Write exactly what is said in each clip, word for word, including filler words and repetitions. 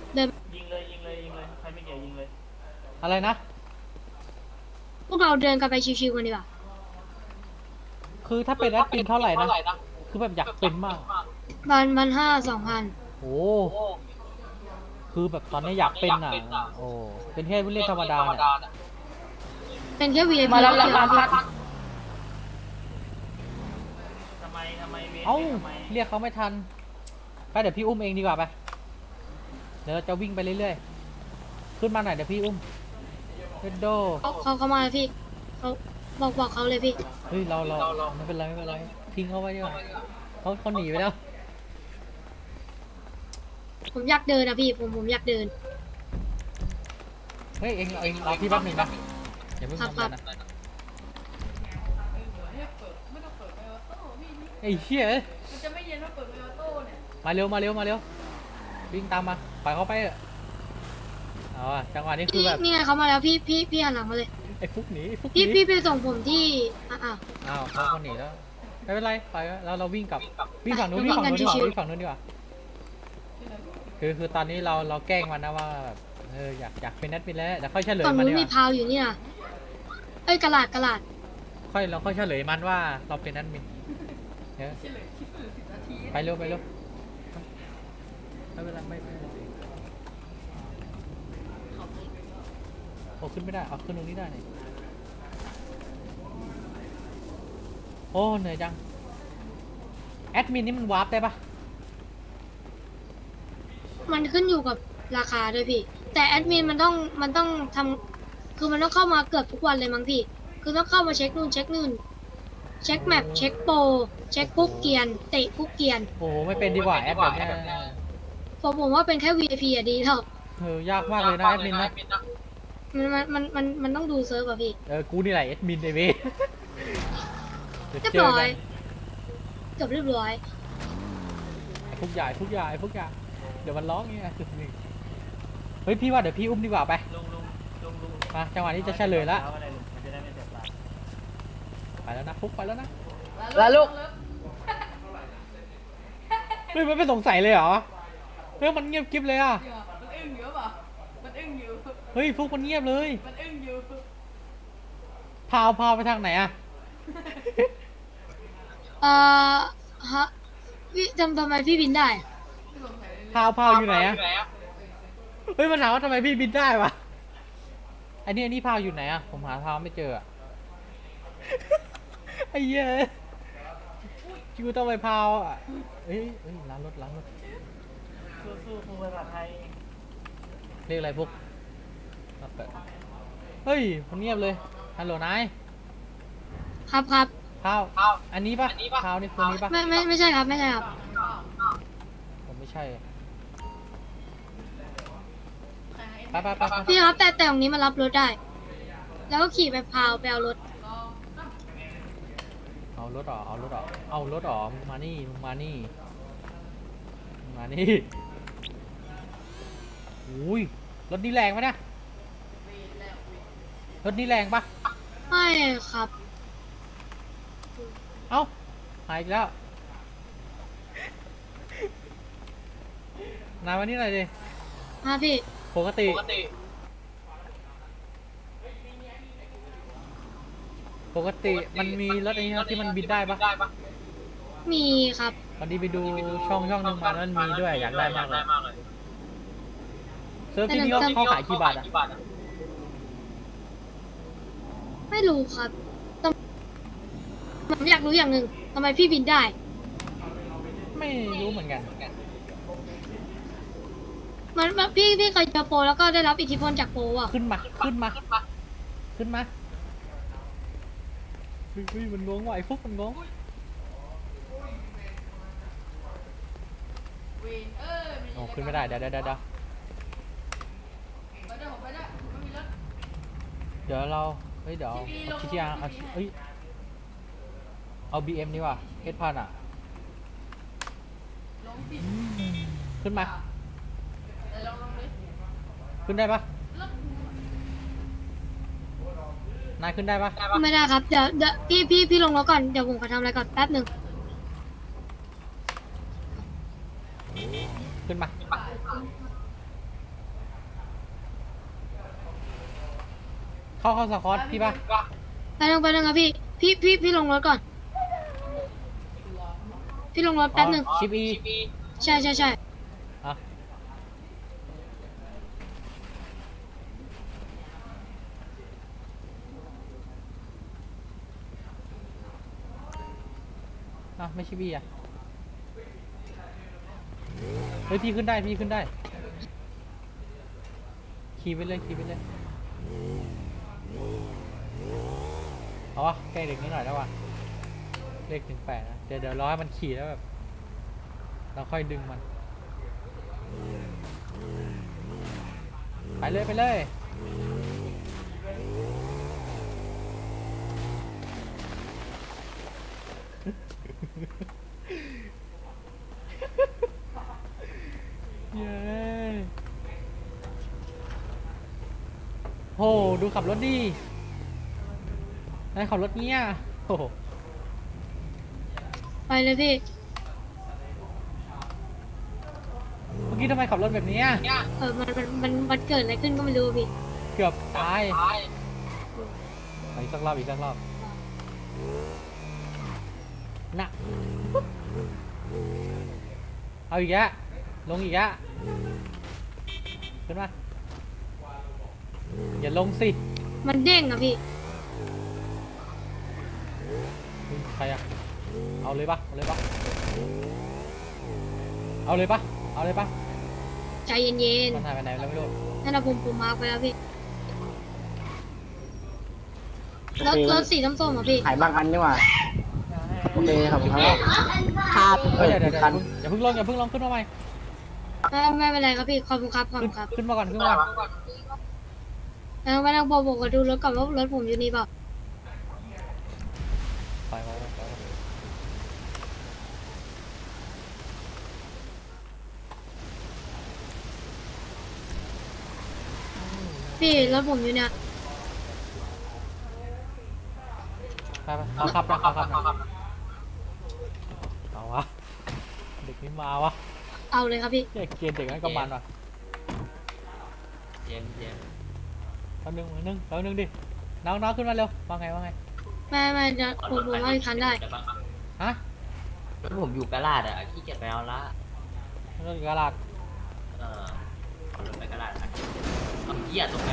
เดินยิงเลยยิงเลยยิงเลยใครไม่เกี่ยวยิงเลยอะไรนะพวกเราเดินกันไปชิวๆกันดีกว่าคือถ้าเป็นแอดมินเท่าไหร่นะคือแบบอยากเป็นมากพันพันห้าสองพันโอ้คือแบบตอนนี้อยากเป็นอ่ะโอ้เป็นแค่ผู้เล่นธรรมดาเนี่ยเป็นแค่ วี ไอ พีมาแล้วแล้แล้ว วพี่ครับทำไมทำไมเวทเอ้าทำไมเรียกเขาไม่ทันไปเดี๋ยวพี่อุ้มเองดีกว่าไปเดี๋ยวเราจะวิ่งไปเรื่อยๆขึ้นมาหน่อยเดี๋ยวพี่อุ้มเรดโดเขาเขาเขามาแล้วพี่เขาบอกบอกเขาเลยพี่เฮ้ยเราเราไม่เป็นไรไม่เป็นไรทิ้งเขาไว้ดีกว่าเขาเขาหนีไปแล้วผมอยากเดินนะพี่ผมผมอยากเดินเฮ้ยเองเองรอพี่แป๊บหนึงนะอย่าเพิ่งทำอะไรนะไอ้เหี้ยมันจะไม่เย็นว่าเปิดไมออโต้เนี่ยมาเร็วมาเร็วมาเร็ววิ่งตามมาปล่อยเขาไปเถอะเอาอะจังหวะนี้คือแบบนี่ไงเขามาแล้วพี่พี่พี่หันหลังมาเลยไอ้ฟุกหนีไอ้ฟุกหพี่นีพี่ไปส่งผมที่อ่ะอ่ะอ้าวเขาคนหนีแล้วไม่เป็นไรไปแล้วเราวิ่งกลับวิ่งฝั่งนู้นวิ่งฝั่งนู้นดีกว่าวิ่งฝั่งนู้นดีกว่าคือคือตอนนี้เราเราแกล้งมันนะว่าแบบเอออยากอยากเป็นแอดมินแล้วเดี๋ยวค่อยเฉลยฝั่งมันนู้ดีนกมีว่าพาวอยู่นี่นะเอ้ยกระลาดกระลาดค่อยเราค่อยเฉลยมันว่าเราเป็นแอดมินเดี๋ยวเฉลยคลิปหรือสิบนาทีไปเร็วไปเร็วไม่เป็นไรไม่ไม่โอ้ขึ้นไม่ได้เอาขึ้นตรงนี้ได้นี่โอ้เหนื่อยจังแอดมินนี่มันวาร์ปได้ปะมันขึ้นอยู่กับราคาด้วยพี่แต่แอดมินมันต้องมันต้องทำคือมันต้องเข้ามาเกือบทุกวันเลยมั้งพี่คือต้องเข้ามาเช็คนู่นเช็คนู่นเช็คแมปเช็คโปรเช็คคุกเกียนเตะคุกเกียนโอ้โหไม่เป็นดีกว่าแอดแบบเนี้ยผมผมว่าเป็นแค่ วี ไอ พี อะดีแล้วเออยากมากเลยนะแอดมินนะมันมันมันมันมันต้องดูเซิร์ฟอะพี่เออกูนี่แหละแอดมินไอเว้ยเรียบร้อยเกือบเรียบร้อยทุกอย่างทุกอย่างทุกอย่างเดี๋ยวมันร้องเงี้ยเฮ้ยพี่ว่าเดี๋ยวพี่อุ้มดีกว่าไปลุงลุงลุงลุงมาจังหวะนี้จะเฉลยละอาอะไรลุงมันจะได้ไม่เสียเวลาไปแล้วนะฟุกไปแล้วนะแล้วลูกเฮ้ยมันไม่สงสัยเลยเหรอเฮ้ยมันเงียบกิ๊บเลยอ่ะมันอึ้งอยู่ป่ะมันอึ้งอยู่เฮ้ยฟุกมันเงียบเลยมันอึ้งอยู่พาวพาวไปทางไหนอ่ะเอ่อฮะพี่ทำทำไมพี่บินได้พาวพาวอยู่ไหนอ่ะเฮ้ยมันถามว่าทำไมพี่บินได้วะอันนี้อันนี้พาวอยู่ไหนอ่ะผมหาพาวไม่เจออ่ะ ไอ้เหี้ยคิวต้องไปพาวอ่ะเฮ้ยเฮ้ยล้างรถล้างรถสู้สู้ครูภาษาไทยเรียกอะไรพวกเฮ้ยมันเงียบเลยฮัลโหลนายครับครับพาวอันนี้ปะพาวนี่คนนี้ปะไม่ไม่ไม่ใช่ครับไม่ใช่ครับผมไม่ใช่ไปไปไปไปพี่ครับแต่แต่ตรงนี้มันรับรถได้ แล้วก็ขี่ไปพาวไปเอารถเอารถออกเอารถออกเอารถออกมึงมานี่มึงมานี่มึงมานี่อุ้ยรถนี่แรงปะเนี่ยรถนี่แรงปะไม่ครับเอ้าหายอีกแล้วนายวันนี้อะไรดิมาพี่ปกติปกติมันมีรถอะไรที่มันบินได้ปะมีครับวันนี้ไปดูช่องช่องหนึงมาแล้วมันมีด้วยอยากได้มากเลยเซิร์ฟที่นี่เขาเขาขายกี่บาทอ่ะไม่รู้ครับต้องผมอยากรู้อย่างหนึ่งทำไมพี่บินได้ไม่รู้เหมือนกันมันมันพี่พี่เคยเจอโปรแล้วก็ได้รับอิทธิพลจากโปรอ่ะขึ้นมาขึ้นมาขึ้นมาเฮ้ยเฮ้ยมันงงว่ะไอ้ฟุกมันงงเวนเออโอ้ขึ้นไม่ได้เดี๋ยวเดี๋ยวเดี๋ยวไปได้ผมไปได้ไม่มีรถเดี๋ยวเราเฮ้ยเดี๋ยวเอาทีทีอาร์เอาเฮ้ยเอาบีเอ็มดีกว่าเอสพันอ่ะลงสิขึ้นมาแต่ลองลงดิขึ้นได้ปะรถนายขึ้นได้ปะไม่ได้ครับเดี๋ยวเดี๋ยวพี่พี่พี่ลงรถก่อนเดี๋ยวผมขอทำอะไรก่อนแป๊บหนึ่งขึ้นมาเข้าเข้าสควอตพี่ปะไปลงไปลงครับพี่พี่พี่พี่ลงรถก่อนพี่ลงรถแป๊บหนึ่งชิปอีใช่ใช่ใช่อ่ะอ่ะไม่ชิปอีอ่ะเฮ้ยพี่ขึ้นได้พี่ขึ้นได้ขี่ไปเลยขี่ไปเลยเอาวะแกล้งเด็กนิดหน่อยแล้ววะเลขถึงแปดนะเดี๋ยวเดี๋ยวรอให้มันขี่แล้วแบบเราค่อยดึงมันไปเลยไปเลยเย้โหดูขับรถดินายขับรถเนี้ยโอ้โหไปเลยพี่เมื่อกี้ทำไมขับรถแบบเนี้ยเออมันมันมันมันเกิดอะไรขึ้นก็ไม่รู้พี่เกือบตายไปอีกสักรอบอีกสักรอบน่ะเอาอีกแล้วลงอีกแล้วขึ้นมาอย่าลงสิมันเด้งอะพี่เฮ้ยใครอะเอาเลยปะเอาเลยปะเอาเลยปะเอาเลยปะใจเย็นมันหายไปไหนแล้วไม่รู้ๆนั่นนะผมผมมาร์คไปแล้วพี่โอรถเครถสีส้มๆอะพี่ขายบางอันนี่หว่าโอเคครับครับครับเฮ้ยเดี๋ยวเดี๋ยวคันอย่าเพิ่งลงอย่าเพิ่งลงขึ้นมาใหม่ไม่ไม่เป็นไรครับพี่ขอบคุณครับขอบขึ้คุนณครับขึ้นมาก่อนขึ้นมาก่อนแล้วไม่ต้องบอกบอกว่าดูรถก่อนว่ารถผมอยู่นี่เปล่าไปไปไปไปพี่รถผมอยู่เนี่ยไปไปเอาขับนะเอาขับนะเอาวะเด็กนี่มาวะเอาเลยครับพี่เด็กเกลียดเด็กนั่นก็มันว่ะเย็นเย็นแป๊บนึงแป๊บนึงแป๊บนึงดิน้องน้องขึ้นมาเร็วว่าไงว่าไงไม่ไม่จะผมผมว่าอีกคันได้ฮะแล้วผมอยู่กะลาดอ่ะขี้เกียจไปเอาละรถกระลาดเออเอารถไปกะลาดอ่ะเอาเหี้ยตรงนี้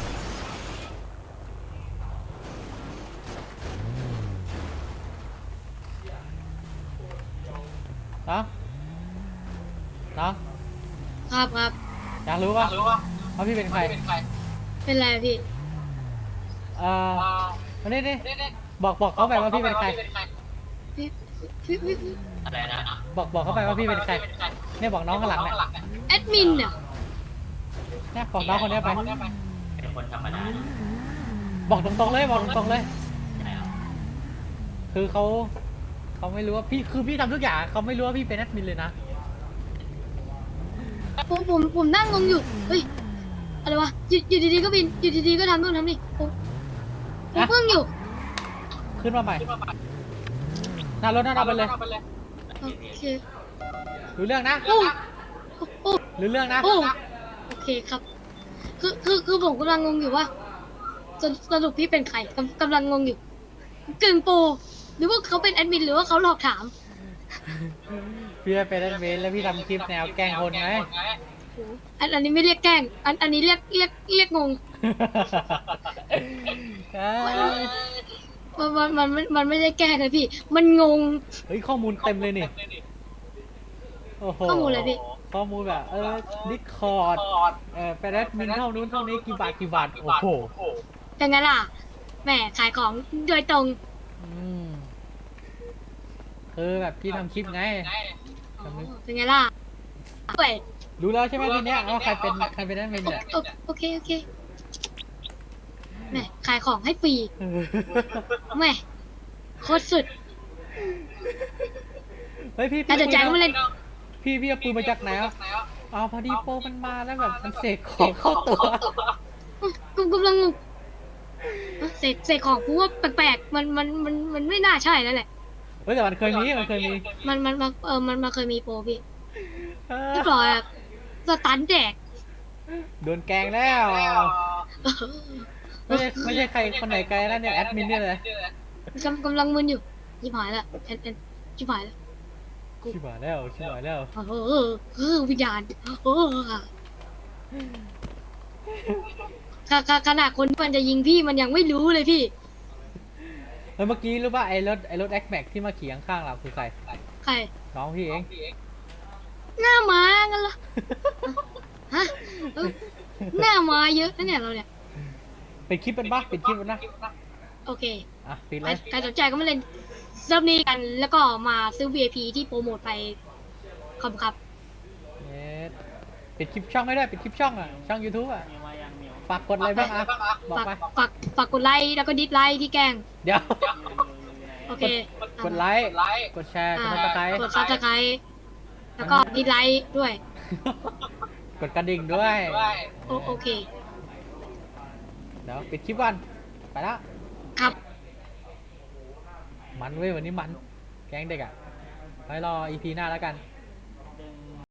น้องน้องครับครับอยากรู้ปะว่าพี่เป็นใครเป็นไรอะพี่เอ่อมานี่ดิบอกบอกเขาไปว่าพี่เป็นใครพี่พี่พี่พี่อะไรนะบอกบอกเขาไปว่าพี่เป็นใครเนี่ยบอกน้องข้างหลังเนี่ยแอดมินเนี่ยเนี่ยบอกน้องคนเนี้ยไปเป็นคนธรรมดาบอกตรงๆเลยบอกตรงๆเลยใช่เหรอคือเขาเขาไม่รู้ว่าพี่คือพี่ทำทุกอย่างเขาไม่รู้ว่าพี่เป็นแอดมินเลยนะผมผมผมนั่งงงอยู่เฮ้ยอะไรวะอยู่อยู่ดีๆก็บินอยู่ดีๆก็ทำนู่นทำนี่ผมผมเพิ่งอยู่ขึ้นมาใหม่หน้ารถหน้าเราไปเลยโอเครู้เรื่องนะโอ้โอ้รู้เรื่องนะโอ้โอเคครับ คือคือคือผมกำลังงงอยู่ว่าสรุปสรุปพี่เป็นใครกำกำลังงงอยู่กึ่งโปรหรือว่าเขาเป็นแอดมินหรือว่าเขาหลอกถามพี่เป็นแอดมินแล้วพี่ทำคลิปแนวแกล้งคนไงโอ้อันอันนี้ไม่เรียกแกล้งอันอันนี้เรียกเรียกเรียกงงเอ้ยมันมันมันมันไม่ได้แกล้งเลยพี่ มันงงเฮ้ยข้อมูลเต็มเลยนี่โอ้โหข้อมูลอะไรพี่ข้อมูลแบบเออดิสคอร์ดเออเป็นแอดมินเท่านู้นเท่านี้กี่บาทกี่บาทโอ้โหเป็นไงล่ะแหมขายของโดยตรงอืมคือแบบพี่ทำคลิปไงอ๋อเป็นไงล่ะเว้ยรู้แล้วใช่ไหมทีเนี้ยว่าใครเป็นใครเป็นแอดมินเนี่ยโอโอเคโอเคแหมขายของให้ฟรีแหมโคตรสุดเฮ้ยพี่แต่พี่เดี๋ยวใจก็มาเล่นพี่พี่เอาปืนมาจากไหนอ่ะอ๋อพอดีโปรมันมาแล้วแบบมันเสกของเข้าตัวกูกำลังงงเสกเสกของกูว่าแปลกๆมันมันมันมันไม่น่าใช่แล้วแหละเฮ้ยแต่มันเคยมีมันเคยมีมันมันมันเออมันมาเคยมีโปรพี่เออเรียบร้อยอะสตันแดกโดนแกล้งแล้วไม่ใช่ไม่ใช่ใครคนไหนไกลนะเนี่ยแอดมินเนี่ยเลยกำกำลังมึนอยู่ยิบหายละแอนแอนยิบหายละชิบหายแล้วชิบหายแล้วเออเออเออวิญญาณเออขขขนาดคนที่มันจะยิงพี่มันยังไม่รู้เลยพี่แล้วเมื่อกี้รู้ป่ะไอ้รถไอ้รถแอคแม็กที่มาขี่ข้างๆเราคือใครใครน้องพี่เองหน้าม้ากันเหรอฮะเออหน้าม้าเยอะนะเนี่ยเราเนี่ยเป็นคลิปเป็นปะเป็นคลิปเป็นนะโอเคอ่ะปิดใคเลรยใครสนใจก็มาเล่นเซิร์ฟนี้กัน แล้วก็มาซื้อ วี ไอ พี ที่โปรโมทไปขอบคุณครับเน็ตปิดคลิปช่องให้ด้วยปิดคลิปช่องอ่ะช่อง YouTube อ่ะมีมายังมีวฝากกดอะไรบ้างอ่ะบอกฝากไปฝากฝากกดไลค์แล้วก็ดิสไลค์ที่แกล้งเดี๋ยวโอเคกดไลค์กดแชร์กดอ่าติดตามกดซับสไครต์แล้วก็ดิสไลค์ด้วยกดกระดิ่งด้วยโอโอเคเดี๋ยวปิดคลิปวันไปละครับมันเว้ยวันนี้มันแก๊งเด็กอ่ะไว้รอ อี พี หน้าแล้วกันค